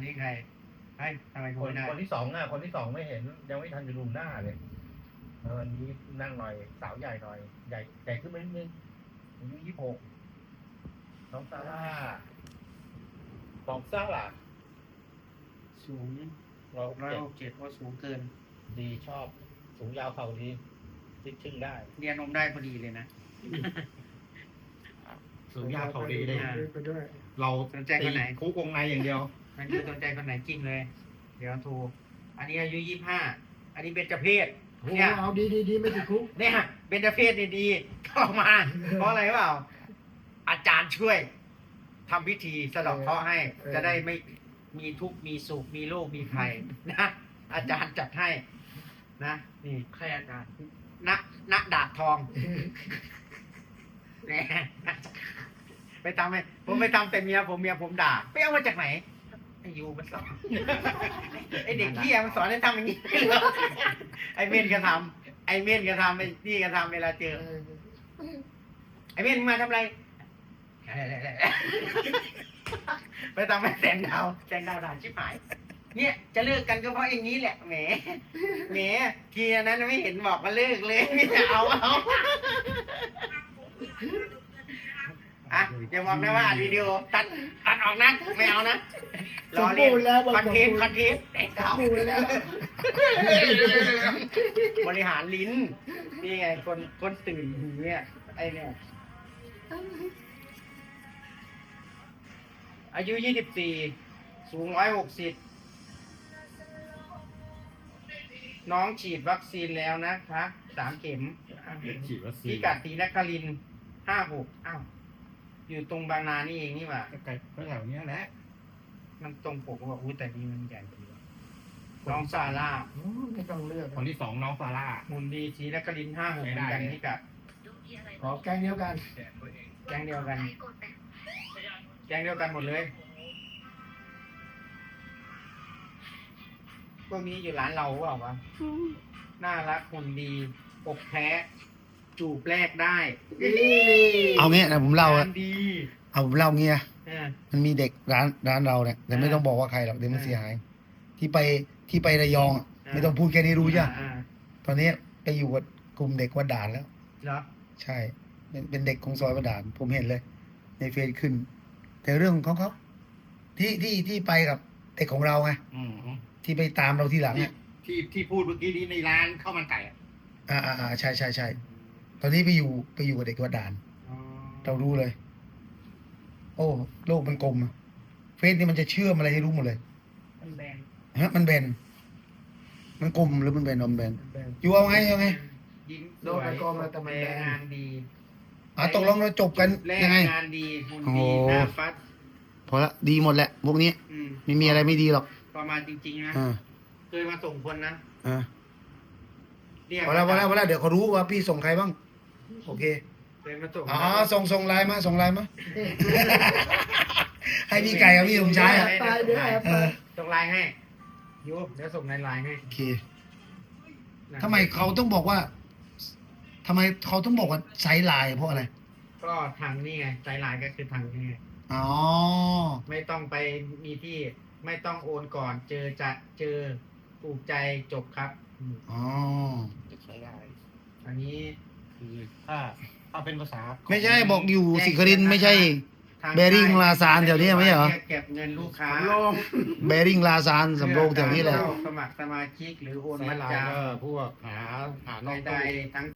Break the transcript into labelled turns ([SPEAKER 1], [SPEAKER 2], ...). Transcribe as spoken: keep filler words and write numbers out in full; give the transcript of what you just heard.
[SPEAKER 1] นี้ใครไอ้ทำไม
[SPEAKER 2] ค
[SPEAKER 1] คุ
[SPEAKER 2] น
[SPEAKER 1] ยได้
[SPEAKER 2] คนที่สองอ่ะคนที่สองไม่เห็นยังไม่ทันจะดูหน้าเลยวันนี้นั่งหน่อยสาวใหญ่หน่อยใหญ่ใหญ่ขึ้นมานิดนึงอายุยี่สิบหกน้องซาร่าบอกซาร่า
[SPEAKER 1] สูง
[SPEAKER 2] เรา
[SPEAKER 1] ร้อย
[SPEAKER 2] เจ็ด
[SPEAKER 1] หกเจ็ดว่าสูงเกิน
[SPEAKER 2] ดีชอบสูงยาวเข่าดีซิกชึ่งได้
[SPEAKER 1] เรียนนมได้พอดีเลยนะ
[SPEAKER 2] สูงยาวเข่าดีเลย
[SPEAKER 1] อ่า
[SPEAKER 3] ไปด้วย
[SPEAKER 2] เรา
[SPEAKER 1] สนใจคนไหน
[SPEAKER 2] คุกวงในอย่างเดียว
[SPEAKER 1] มันคือสนใจคนไหนกิ้งเลย เดี๋ยวโทรอันนี้อายุยี่สิบห้าอันนี้เบญจเพศ
[SPEAKER 3] โอ้
[SPEAKER 1] เนี่ย
[SPEAKER 3] เอาดีดีดีไม่ติดคุก
[SPEAKER 1] เนี่ยเบญจเพศนี่ดีเข้ามา เพราะอะไรเปล่า อาจารย์ช่วยทำพิธีสะเดอกเคราะห์ให้ จะได้ไม่มีทุกข์มีสุขมีโรคมีภัยนะอาจารย์จัดให้นะนี่ใครอาจารย์ณณดาบทองเนี่ยไปทำให้ผมไปทำแต่เมียผมเมียผมด่าไปเอามาจากไหนไอ้ยูมันสอนไอ้เด็กเที่ยมันสอนให้ทำอย่างนี้ไอ้เม่นก็ทำไอ้เม่นก็ทำไอ้นี่ก็ทำเวลาเจอ ไอ้เม่นมึงมาทำอะไร ไปทำให้แสงดาวแสงดาวด่าชิบหาย เนี่ยจะเลิกกันก็เพราะอย่างนี้แหละแหมแหมทีนั้นไม่เห็นบอกมาเลิกเลยไม่จะเอาเอาอ่ะอย่าบอกนะว่าอัดวิดีโอตัดตัดออกนะไม่เอานะ
[SPEAKER 3] สมบูรณ์แล้ว
[SPEAKER 1] คอนเทนต์คอนเทนต์แสงดาว
[SPEAKER 3] สมบูรณ์แล้ว
[SPEAKER 1] บริหารลิ้นนี่ไงคนคนตื่นหูเนี่ยไอเนี่ยอายุยี่สิบสี่สูงร้อยหกสิบน้องฉีดวัคซีนแล้วนะคะสามเข็ม
[SPEAKER 2] ฉีดวัคซี
[SPEAKER 1] พิ
[SPEAKER 2] น
[SPEAKER 1] กัดศรีนครินห้าหกอ้าวอยู่ตรงบางนานี่เองนี่หว่า
[SPEAKER 2] ใกล้ๆแถวเนี้ยแหละ
[SPEAKER 1] มันตรงปกว่าอุ้ยแต่นี่มันใหญ่กว่าน้องซาร่า
[SPEAKER 3] อืมไม่ต้องเลือก
[SPEAKER 2] คนที่สองน้องซาร่า
[SPEAKER 1] หุ่นดีศรีนครินห้าหกเหมือนกันพิกัด
[SPEAKER 3] ขอแกงเดียวกัน
[SPEAKER 1] แก๊งเดียวกัน แก๊งเดียวกันหมดเลย พวกนี้อยู่ร้านเราเปล่าวะน่ารักหุ่นดีอกแพ้จูบแรกได้
[SPEAKER 4] เอางี้นะผมเล่าอะ
[SPEAKER 1] งนดี
[SPEAKER 4] เอาผมเล่าเงี้ย
[SPEAKER 1] เออ
[SPEAKER 4] มันมีเด็กร้านร้านเราเนี่ยแต่ไม่
[SPEAKER 1] อ่า
[SPEAKER 4] ต้องบอกว่าใครหรอกเดี๋ยวมัน
[SPEAKER 1] อ่า
[SPEAKER 4] เสียหาย ที่ไปที่ไประยองอะ
[SPEAKER 1] อ่า
[SPEAKER 4] ไม่ต้องพูดแค่นี้รู้ใช่ไหม
[SPEAKER 1] อ่า
[SPEAKER 4] ตอนนี้ไปอยู่กับกลุ่มเด็กวัดด่านแล้ว
[SPEAKER 1] เหรอ
[SPEAKER 4] ใช่ เป็นเป็นเด็กของซอยวัดด่าน ผมเห็นเลย ในเฟซขึ้น แต่เรื่องของเขาเขาที่ที่ที่ไปกับเด็กของเราไง
[SPEAKER 2] อืม
[SPEAKER 4] ที่ไปตามเราทีหลังเนี่ย
[SPEAKER 2] ที่ที่พูดเมื่อกี้นี้ในร้านข้าวมันไก่อะ
[SPEAKER 4] อ่าอ่าอ่าใช่ใช่ใช่ตอนนี้ไปอยู่ไปอยู่กับเด็กวัดด่าน
[SPEAKER 1] อ๋อ
[SPEAKER 4] เรารู้เลย โอ้โลกมันกลมอะเฟซนี่มันจะเชื่อมอะไรให้รู้หมดเลย
[SPEAKER 1] มันแบน
[SPEAKER 4] ฮะมันแบน มันกลมหรือมันแบนอมแบน
[SPEAKER 3] มันแบน
[SPEAKER 4] อยู่เอาไงเอาไง
[SPEAKER 1] ยิ้มส
[SPEAKER 3] โด
[SPEAKER 1] วน
[SPEAKER 3] ไป
[SPEAKER 1] ย
[SPEAKER 3] กองมาแต่มัน
[SPEAKER 1] แร
[SPEAKER 3] แบน
[SPEAKER 1] งานดี
[SPEAKER 4] อ่ะตกลงเราจบกัน
[SPEAKER 1] แร
[SPEAKER 4] ยังไง
[SPEAKER 1] งานดีหุ่น
[SPEAKER 4] โอ้
[SPEAKER 1] ดีหน้าฟัด
[SPEAKER 4] พอละดีหมดแหละ พวกนี้
[SPEAKER 1] อืม
[SPEAKER 4] ไม่มีอะไรไม่ดีหรอก
[SPEAKER 1] ประมาณจริงๆนะ
[SPEAKER 4] อ่า
[SPEAKER 1] เคยมาส่งคนนะ
[SPEAKER 4] อ่า
[SPEAKER 1] เรียก
[SPEAKER 4] พอแล้วพอแล้วพอแล้วเดี๋ยวเขารู้ว่าพี่ส่งใครบ้าง โอเค
[SPEAKER 1] เคยมาส่ง
[SPEAKER 4] อ๋อส่งส่งไลน์มาส่งไลน์มา ให้พี่ไก่กับพี่สมชายอ่ะ
[SPEAKER 3] ตายเดี๋ยวแอบ
[SPEAKER 4] เอ
[SPEAKER 3] ไป
[SPEAKER 4] อ
[SPEAKER 1] ส่งไลน์ให้ยูเดี๋ยวส่งในไลน์ให้
[SPEAKER 4] โอเคทำไมเขาต้องบอกว่าทำไมเขาต้องบอกว่าไซส์ไลน์เพราะอะไร
[SPEAKER 1] ก็ทางนี่ไงใจไลน์ก็คือทางนี่ไง
[SPEAKER 4] อ๋อ
[SPEAKER 1] ไม่ต้องไปมีที่ไม่ต้องโอนก่อน เจอจะเจอถูกใจจบครับอืม
[SPEAKER 4] อ๋อ
[SPEAKER 2] จะใช้ได้
[SPEAKER 1] อันนี้
[SPEAKER 2] คือถ้าถ้าเป็นภาษาของ
[SPEAKER 4] ไม่ใช่บอกอยู่สิครินทร์ไม่ใช่
[SPEAKER 1] ทาง
[SPEAKER 4] เบริ่งลาซานแถวนี้ไม่ใช่เหรอ
[SPEAKER 1] เก็บเงินลูกค้า
[SPEAKER 3] ลง
[SPEAKER 4] เบริ่งลาซานสำโรงแถวนี้แหละ
[SPEAKER 1] เข้าสมัครสมาชิกหรือโอน
[SPEAKER 2] แซ
[SPEAKER 1] มั
[SPEAKER 2] น
[SPEAKER 1] ด
[SPEAKER 2] ไล
[SPEAKER 1] จ
[SPEAKER 2] น์ก็พวกหาหานอก
[SPEAKER 1] ำใด
[SPEAKER 2] ตู้
[SPEAKER 1] ๆทั้ง